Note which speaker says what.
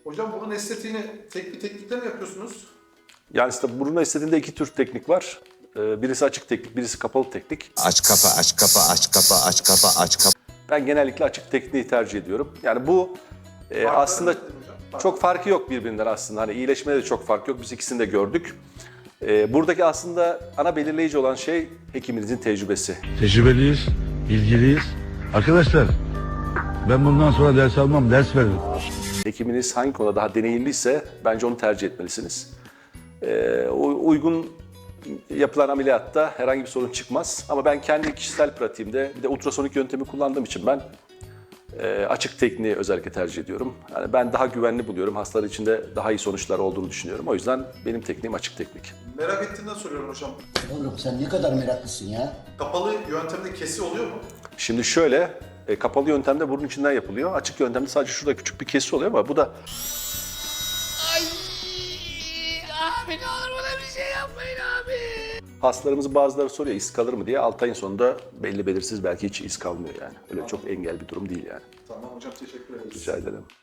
Speaker 1: Hocam bunun estetiğini tek bir teknikle mi yapıyorsunuz?
Speaker 2: Yani işte burun estetiğinde iki tür teknik var. Birisi açık teknik, birisi kapalı teknik.
Speaker 3: Aç kapa, aç kapa, aç kapa, aç kapa, aç kapa.
Speaker 2: Ben genellikle açık tekniği tercih ediyorum. Yani bu aslında
Speaker 1: nedir hocam?
Speaker 2: çok farkı yok birbirinden aslında. Hani iyileşmede de çok fark yok. Biz ikisini de gördük. Buradaki aslında ana belirleyici olan şey hekiminizin tecrübesi.
Speaker 4: Tecrübeliyiz, bilgiliyiz. Arkadaşlar, ben bundan sonra ders almam, ders veririm.
Speaker 2: Hekiminiz hangi konuda daha deneyimliyse bence onu tercih etmelisiniz. Uygun yapılan ameliyatta herhangi bir sorun çıkmaz. Ama ben kendi kişisel pratiğimde bir de ultrasonik yöntemi kullandığım için ben açık tekniği özellikle tercih ediyorum. Yani ben daha güvenli buluyorum. Hastalar için de daha iyi sonuçlar olduğunu düşünüyorum. O yüzden benim tekniğim açık teknik.
Speaker 1: Merak ettiğimden soruyorum hocam.
Speaker 5: Oğlum sen ne kadar meraklısın ya.
Speaker 1: Kapalı yöntemde kesi oluyor mu?
Speaker 2: Şimdi şöyle, kapalı yöntemde burun içinden yapılıyor. Açık yöntemde sadece şurada küçük bir kesi oluyor ama bu da...
Speaker 6: Ay abi ne olur bana bir şey yapmayın abi.
Speaker 2: Hastalarımızın bazıları soruyor iz kalır mı diye. 6 ayın sonunda belli belirsiz belki hiç iz kalmıyor yani. Öyle çok engel bir durum değil yani.
Speaker 1: Tamam hocam, teşekkür ederiz.
Speaker 2: Rica ederim.